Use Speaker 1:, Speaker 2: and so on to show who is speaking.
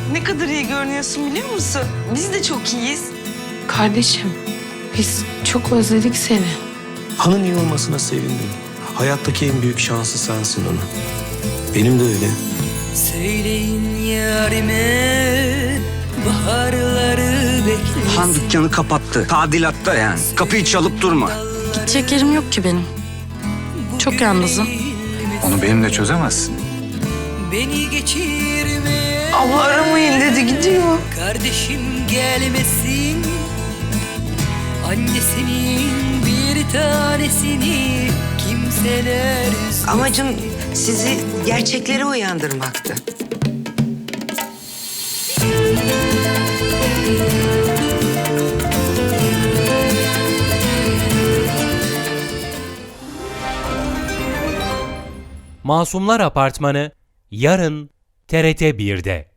Speaker 1: Ne kadar iyi görünüyorsun biliyor musun? Biz de çok iyiyiz.
Speaker 2: Kardeşim, biz çok özledik seni.
Speaker 3: Han'ın iyi olmasına sevindim. Hayattaki en büyük şansı sensin ona. Benim de öyle.
Speaker 4: Söyleyin yarime baharları beklesin.
Speaker 5: Han dükkanı kapattı. Tadilatta yani. Kapıyı çalıp durma.
Speaker 2: Gidecek yerim yok ki benim. Çok yalnızım.
Speaker 6: Onu benimle çözemezsin.
Speaker 4: Beni geçirme.
Speaker 1: Abla aramayın dedi, gidiyor.
Speaker 4: Kardeşim gelmesin. Annesinin bir tanesini kimseler üzmesin.
Speaker 7: Amacım sizi gerçeklere uyandırmaktı.
Speaker 8: Masumlar Apartmanı yarın TRT 1'de.